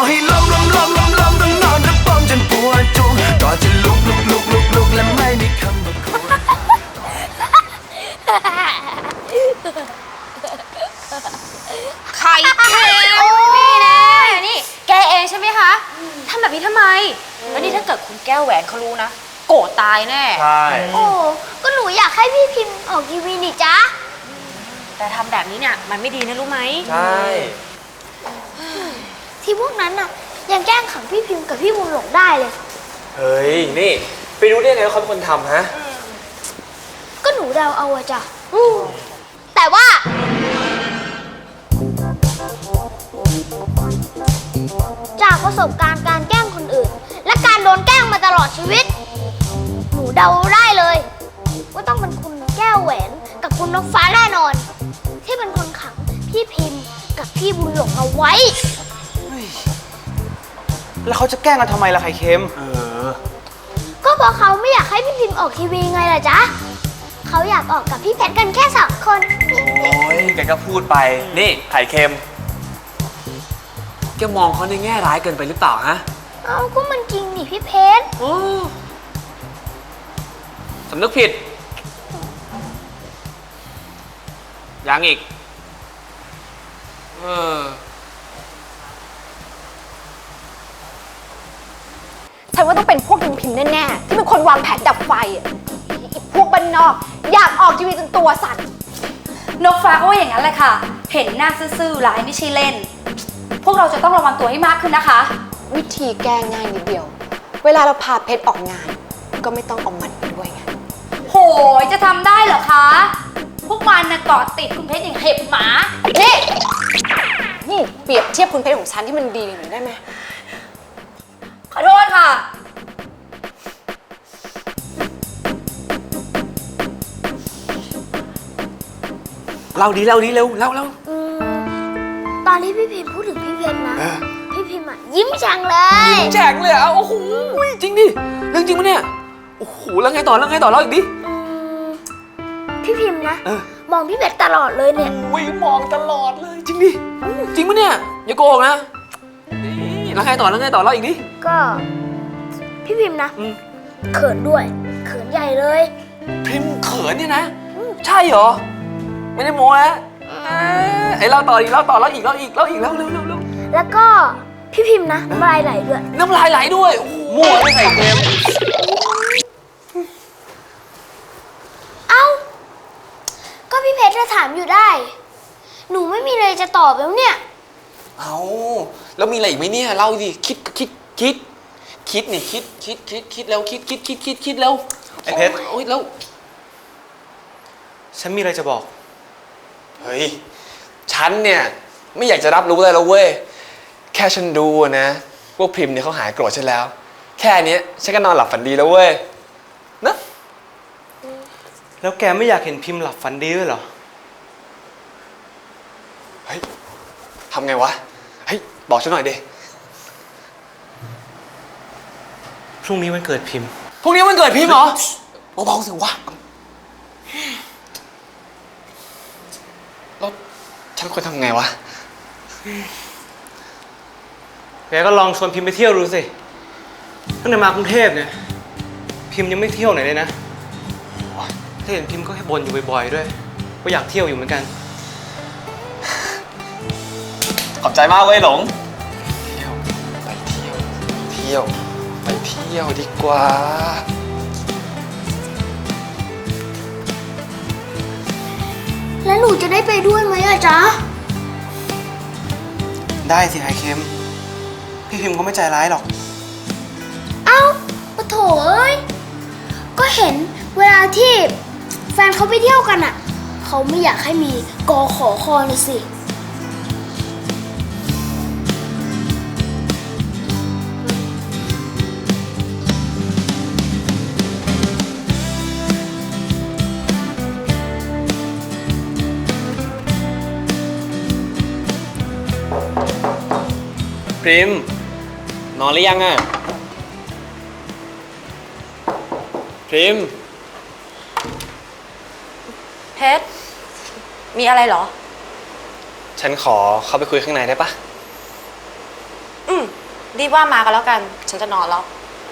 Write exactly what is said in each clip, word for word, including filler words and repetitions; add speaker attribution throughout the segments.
Speaker 1: ให้ล้มล้มล้มล้มล้มต้องนอนระบมจนปวดจุกก็จะลุกลุกลุกลุกลุกและไม่มีคำว่าควร
Speaker 2: ไข่เค็มนี่นะนี่แกเองใช่ไหมคะทำแบบนี้ทำไมแล้วนี่ถ้าเกิดคุณแก้วแหวนเขารู้นะโกรธตายแน่
Speaker 3: ใช่
Speaker 4: โอ้ก็หนูอยากให้พี่พิมพ์ออกทีวีนี่จ๊ะ
Speaker 2: แต่ทำแบบนี้เนี่ยมันไม่ดีนะรู้ไหม
Speaker 3: ใช่
Speaker 4: ที่พวกนั้นน่ะยังแกล้งขังพี่พิมพ์กับพี่บุญหลงได้เลย
Speaker 3: เฮ้ยนี่ไปรู้ได้ไงว่าเขาเป็นคนทำฮะ
Speaker 4: ก็หนูเดาเอาอะจ้ะแต่ว่าจากประสบการณ์การแกล้งคนอื่นและการโดนแกล้งมาตลอดชีวิตหนูเดาได้เลยว่าต้องเป็นคุณแก้วแหวนกับคุณนกฟ้าแน่นอนที่เป็นคนขังพี่พิมพ์กับพี่บุญหลงเอาไว้
Speaker 5: แล้วเขาจะแกล้งกันทำไมล่ะไข่เค็มเออ
Speaker 4: ก็เพราะเขาไม่อยากให้พี่พิมพ์ออกทีวีไงล่ะจ๊ะเขาอยากออกกับพี่เพชรกันแค่สองคน
Speaker 3: โอ้ยแกก็พูดไปนี่ไข่เค็มแกมองเขาในแง่ร้ายเกินไปหรือเปล่าฮะ
Speaker 4: เอาก็มันจริงนี่พี่เพชร
Speaker 3: โอ้สำนึกผิดยังอีกเออ
Speaker 2: ฉันว่าต้องเป็นพวกพิมพิมแน่ๆที่เป็นคนวางแผนดับไฟอ่ะพวกบ้านนอกอยากออกทีวีจนตัวสั่นนกฟ้าก็ว่าอย่างนั้นแหละค่ะเห็นหน้าซื่อๆร้ายไม่ใช่เล่นพวกเราจะต้องระวังตัวให้มากขึ้นนะคะ
Speaker 6: วิธีแก้ง่ายนิดเดียวเวลาเราพาเพชรออกงานก็ไม่ต้องเอามันไปด้วยไง
Speaker 2: โหยจะทำได้เหรอคะพวกมันน่ะเกาะติดคุณเพชรอย่างเห็บหมา
Speaker 6: นี่นี่เปรียบเทียบคุณเพชรของฉันที่มันดีหน่อยได้ไหม
Speaker 2: ขอโทษค่ะ
Speaker 3: เล่าดีเล่าดีเร็วเล่าเล่า
Speaker 4: ตอนที่พี่พิมพ์พูดถึงพี่เพชรนะพี่พิมพ์อ่ะยิ้มแฉ่งเลย
Speaker 3: ยิ้มแฉ่งเลยอ่ะโอ้โหจริงดิเรื่องจริงปะเนี่ยโอ้โหแล้วไงต่อแล้วไงต่อเล่าอีกดิ
Speaker 4: พี่พิมพ์นะมองพี่เพชรตลอดเลยเนี่ย
Speaker 3: อุ้ยมองตลอดเลยจริงดิจริงปะเนี่ยอย่าโกหกนะแล้วไงต่อแล้วไงต่อเล่าอีกดิ
Speaker 4: ก็พี่พิมพ์นะเขินด้วยเขินใหญ่เลย
Speaker 3: พิมพ์เขินเนี่ยนะใช่เหรอไม่ได้โม้นะไอ้เล่าต่ออีกเล่าต่อเล่าอีกเล่าอีกเล่าอีกเล่าเร็วเร็วเร็ว
Speaker 4: แล้วก็พี่พิมพ์นะน้ำลายไหลด้วย
Speaker 3: น้ำลายไหลด้วยโอ้โหมั่วไม่ใส่เค็ม
Speaker 4: เอ้าก็พี่เพชรจะถามอยู่ได้หนูไม่มีอะไรจะตอบแล้วเนี่ย
Speaker 3: เอ้าแล้วมีอะไรอีกไหมเนี่ยเล่าดิคิดคิดคิดคิดนี่คิดคิดคิดคิดแล้วคิดคิดคิดคิดคิดแล้ว
Speaker 5: ไอ้เพชร
Speaker 3: โอ้ยแล้ว
Speaker 5: ฉันมีอะไรจะบอก
Speaker 3: เฮ้ยฉันเนี่ยไม่อยากจะรับรู้อะไรแล้วเว้ยแค่ฉันดูนะพวกพิมพ์เนี่ยเขาหายโกรธฉันแล้วแค่นี้ฉันก็นอนหลับฝันดีแล้วเว้ยนะ
Speaker 5: แล้วแกไม่อยากเห็นพิมพ์หลับฝันดีด้วยเหรอ
Speaker 3: เฮ้ยทำไงวะเฮ้ยบอกฉันหน่อยดิ
Speaker 5: พรุ่งนี้วันเกิดพิมพ์
Speaker 3: พรุ่งนี้วันเกิดพิมพ์เหรอเบาๆสิวะแล้วฉันควรทำไงวะ
Speaker 5: แกก็ลองชวนพิมพ์ไปเที่ยวดูสิตั้งแต่มากรุงเทพเนี่ยพิมพ์ยังไม่เที่ยวไหนเลยนะถ้าเห็นพิมพ์ก็แค่บ่นอยู่บ่อยๆด้วยว่าอยากเที่ยวอยู่เหมือนกัน
Speaker 3: ขอบใจมากเว้ยหลงเที่ยวไปเที่ยวเที่ยวไปเที่ยวดีกว่า
Speaker 4: แล้วหนูจะได้ไปด้วยไหมอะจ๊ะ
Speaker 5: ได้สิไข่เค็มพี่พิมพ์เขาไม่ใจร้ายหรอก
Speaker 4: เอ้าปะโถเอ้ยก็เห็นเวลาที่แฟนเขาไปเที่ยวกันอะเขาไม่อยากให้มีกอขอคอเลยสิ
Speaker 3: พิมพ์นอนหรือยังอ่ะพิมพ์
Speaker 2: เพชรมีอะไรเหรอ
Speaker 3: ฉันขอเข้าไปคุยข้างในได้ปะ
Speaker 2: อืมรีบว่ามากันแล้วกัน ฉันจะนอนแล้ว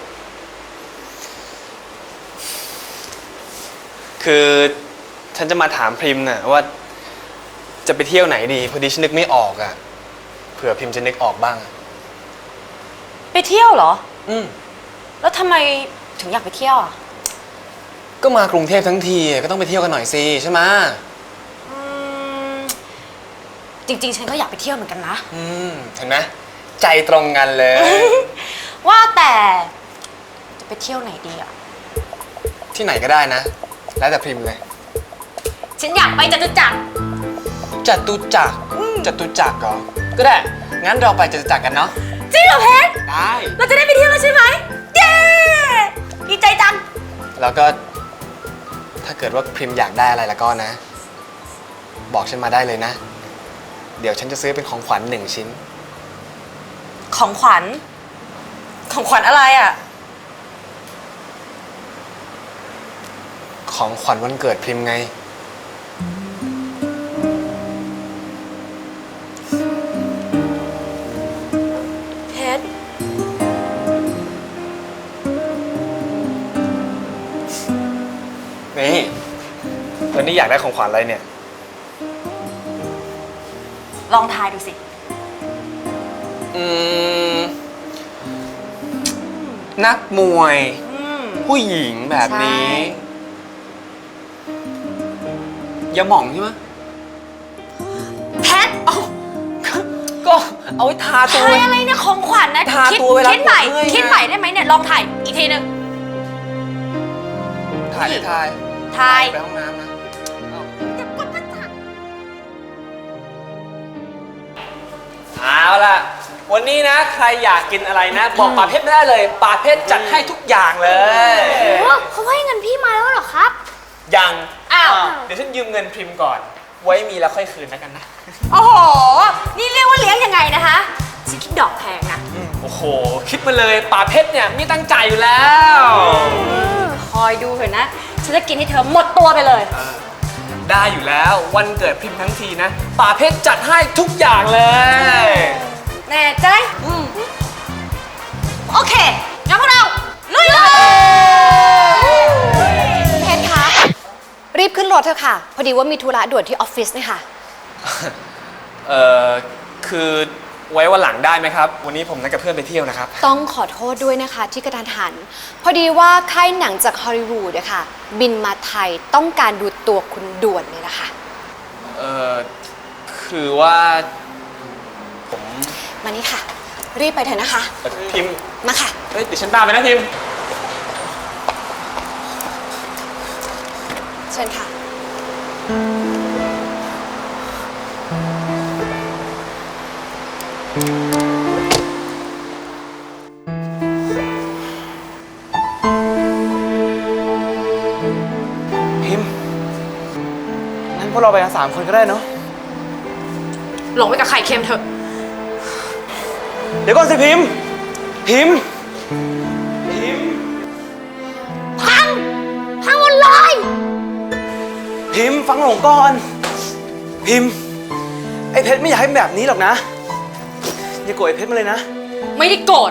Speaker 3: คือฉันจะมาถามพริมน่ะว่าจะไปเที่ยวไหนดี พอดีฉันนึกไม่ออกอะเผื่อพริมจะนึกออกบ้างอะ
Speaker 2: ไปเที่ยวเหรอ
Speaker 3: อืม
Speaker 2: แล้วทำไมถึงอยากไปเที่ยวอ่ะ
Speaker 3: ก็มากรุงเทพทั้งทีก็ต้องไปเที่ยวกันหน่อยสิใช่ไหม
Speaker 2: อืม จริงๆ ฉันก็อยากไปเที่ยวเหมือนกันนะ
Speaker 3: อืมเห็นไหมใจตรงกันเลย
Speaker 2: ว่าแต่จะไปเที่ยวไหนดีอ่ะ
Speaker 3: ที่ไหนก็ได้นะ แล้วแต่พริมเลย
Speaker 2: ฉันอยากไปจตุจักร
Speaker 3: จตุจักรจตุจักรเหรอก็ได้งั้นเราไปจตุจักรกันเนาะ
Speaker 2: จริงเหรอเพชร
Speaker 3: ได้
Speaker 2: เราจะได้ไปเที่ยวแล้วใช่ไหมเย้ดีใจจัง
Speaker 3: แล้วก็ถ้าเกิดว่าพริมอยากได้อะไรแล้วก็นะ บอกฉันมาได้เลยนะ เดี๋ยวฉันจะซื้อเป็นของขวัญหนึ่งชิ้น
Speaker 2: ของขวัญ ของขวัญอะไรอ่ะ
Speaker 3: ของขวัญวันเกิดพริมไง
Speaker 2: เพชร
Speaker 3: นี่วันนี้อยากได้ของขวัญอะไรเนี่ย
Speaker 2: ลองทายดูสิ
Speaker 3: อืม นักมวย
Speaker 2: อืม
Speaker 3: ผู้หญิงแบบนี้
Speaker 2: ใช่
Speaker 3: อย่าหม่องใช่ไหม
Speaker 2: เพชร
Speaker 3: ก็เอาไว้ทาตัว
Speaker 2: ทายอะไรเนี่ยของขวัญนะ
Speaker 3: ทา
Speaker 2: คิด
Speaker 3: ตัวเวลา
Speaker 2: คิดใหม่
Speaker 3: ปวดเมื่อยไง
Speaker 2: คิดใหม่ได้ไหมเนี่ย ลองถ่ายอีกทีหนึง
Speaker 3: ถ่ายได้ถ่าย
Speaker 2: ทาย
Speaker 3: ไปห้องน้ำนะเอาล่ะ วันนี้นะ ใครอยากกินอะไรนะ บอกป่าเพชรไม่ได้เลยป่าเพชรจัดให้ทุกอย่างเลย
Speaker 4: โอ้เขาให้เงินพี่มาแล้วเหรอครับ
Speaker 3: ยัง
Speaker 2: อ้าว
Speaker 3: เดี๋ยวฉันยืมเงินพริมก่อน ไว้มีแล้วค่อยคืนแล้วกันนะ
Speaker 2: โอ้โห นี่เรียกว่าเลี้ยงยังไงนะคะฉันคิดดอกแพงนะ
Speaker 3: โอ้โห คิดมาเลยป่าเพชรเนี่ยไม่ตั้งใจอยู่แล้ว
Speaker 2: คอยดูเถอะนะ ฉันจะกินให้เธอหมดตัวไปเลย
Speaker 3: ได้อยู่แล้ววันเกิดพริมทั้งทีนะป่าเพชรจัดให้ทุกอย่างเลย
Speaker 2: แน่ใจโอเคงั้นพวกเราลุยเลย
Speaker 6: เพชรคะรีบขึ้นรถเถอะค่ะ พอดีว่ามีธุระด่วนที่ออฟฟิศเนี่ยค่ะ
Speaker 3: เอ่อ คือไว้วันหลังได้ไหมครับ วันนี้ผมนัดกับเพื่อนไปเที่ยวนะครับ
Speaker 6: ต้องขอโทษด้วยนะคะที่กระทันหัน พอดีว่าค่ายหนังจากฮอลลีวูดอะค่ะ บินมาไทยต้องการดูตัวคุณด่วนเลยนะคะ
Speaker 3: เอ่อ คือว่าผม
Speaker 6: มานี่ค่ะ รีบไปเถอะนะคะ
Speaker 3: เอ่อพิมพ์
Speaker 6: มาค่ะ
Speaker 3: เฮ้ยเดี๋ยวฉันตามไปนะพิมพ์
Speaker 6: เชิญค่ะ
Speaker 5: พิมพ์งั้นพวกเราไปกันสามคนก็ได้เนาะ
Speaker 2: หลงไปกับไข่เค็มเถอะ
Speaker 5: เดี๋ยวก่อนสิพิมพ์ พิมพ์ พิมพ์
Speaker 4: พัง พังหมดเลย
Speaker 5: พิมพ์ฟังหลงก่อน พิมพ์ ไอ้เพชรไม่อยากให้เป็นแบบนี้หรอกนะ อย่าโกรธไอ้เพชรมาเลยนะ
Speaker 2: ไม่ได้โกรธ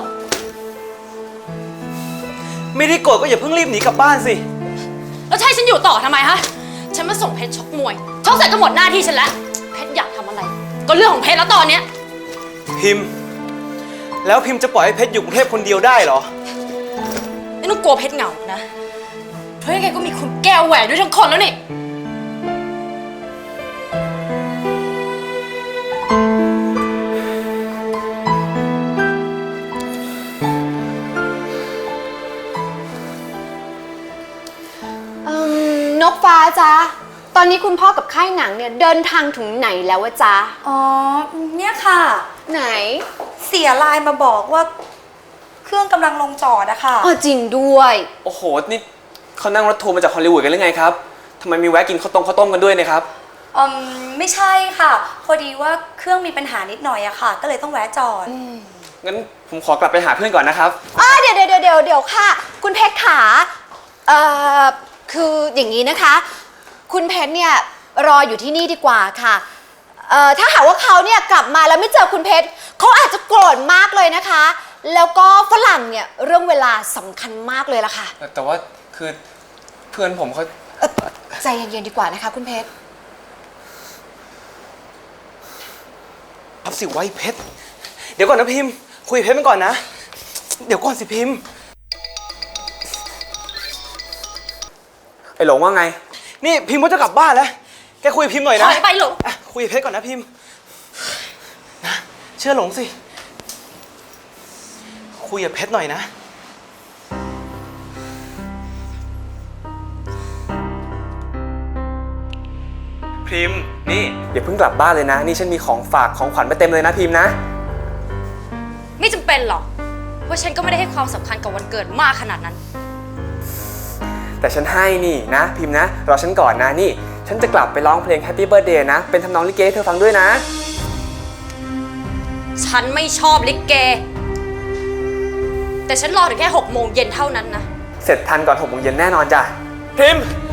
Speaker 5: ไม่ได้โกรธก็อย่าเพิ่งรีบหนีกลับบ้านสิ
Speaker 2: แล้วจะให้ฉันอยู่ต่อทำไมฮะ ฉันมาส่งเพชรชกมวยชกเสร็จก็หมดหน้าที่ฉันแล้ว เพชรอยากทำอะไร ก็เรื่องของเพชรแล้วตอนเนี้ย
Speaker 5: พิมพ์ แล้วพิมพ์จะปล่อยให้เพชรอยู่กรุงเทพคนเดียวได้เหรอ
Speaker 2: ไม่ต้องกลัวเพชรเหงานะ เพราะยังไงก็มีคุณแก้วแหวนด้วยทั้งคนแล้วนี่
Speaker 6: เอิ่มนกฟ้าจ๊ะ ตอนนี้คุณพ่อกับค่ายหนังเนี่ยเดินทางถึงไหนแล้ววะจ๊ะ
Speaker 2: อ๋อ เนี่ยค่ะ
Speaker 6: ไหน
Speaker 2: เสียไลน์มาบอกว่า เครื่องกำลังลงจอดอะค่ะ
Speaker 6: อ๋อจริงด้วย
Speaker 3: โอ้โห นี่เขานั่งรถทัวร์มาจากฮอลลีวูดกันหรือไงครับทำไมมีแวะกินข้าวต้มข้าวต้มกันด้วยเนะครับ
Speaker 7: อืมไม่ใช่ค่ะ พอดีว่าเครื่องมีปัญหานิดหน่อยอะค่ะ ก็เลยต้องแวะจอด
Speaker 3: งั้นผมขอกลับไปหาเพื่อนก่อนนะครับ
Speaker 6: อ่าเดี๋ยวเดี๋ยวเดี๋ยวเดี๋ยวเดี๋ยวค่ะ คุณเพชรขาเอ่อคืออย่างนี้นะคะ คุณเพชรเนี่ยรออยู่ที่นี่ดีกว่าค่ะเอ่อถ้าหากว่าเขาเนี่ยกลับมาแล้วไม่เจอคุณเพชรเขาอาจจะโกรธมากเลยนะคะ แล้วก็ฝรั่งเนี่ยเรื่องเวลาสำคัญมากเลยล่ะค่ะ
Speaker 3: แต่ว่าคือเพื่อนผมเขา
Speaker 6: เอ่อใจเย็นๆดีกว่านะคะคุณเพชร
Speaker 5: รับสิไว้เพชร เดี๋ยวก่อนนะพิมพ์ คุยกับเพชรมันก่อนนะ เดี๋ยวก่อนสิพิมพ์
Speaker 3: ไอ้หลงว่าไง
Speaker 5: นี่พิมพ์ว่าจะกลับบ้านแล้ว แกคุยกับพิมพ์หน่อยนะ
Speaker 7: ถอยไปหลง
Speaker 5: อ่ะคุยกับเพชรก่อนนะพิมพ์นะเชื่อหลงสิ คุยกับเพชรหน่อยนะ พิมพ์ นี่
Speaker 3: อย่าเพิ่งกลับบ้านเลยนะ นี่ฉันมีของฝากของขวัญมาเต็มเลยนะพิมพ์นะ
Speaker 7: ไม่จำเป็นหรอก เพราะฉันก็ไม่ได้ให้ความสำคัญกับวันเกิดมากขนาดนั้น
Speaker 3: แต่ฉันให้นี่นะพิมพ์นะรอฉันก่อนนะนี่ ฉันจะกลับไปร้องเพลง Happy Birthday นะ เป็นทำนองลิเกให้เธอฟังด้วยนะ
Speaker 7: ฉันไม่ชอบลิเก แต่ฉันรอถึงแค่หกโมงเย็นเท่านั้นนะ
Speaker 3: เสร็จทันก่อนหกโมงเย็นแน่นอนจ้ะ
Speaker 5: พิมพ์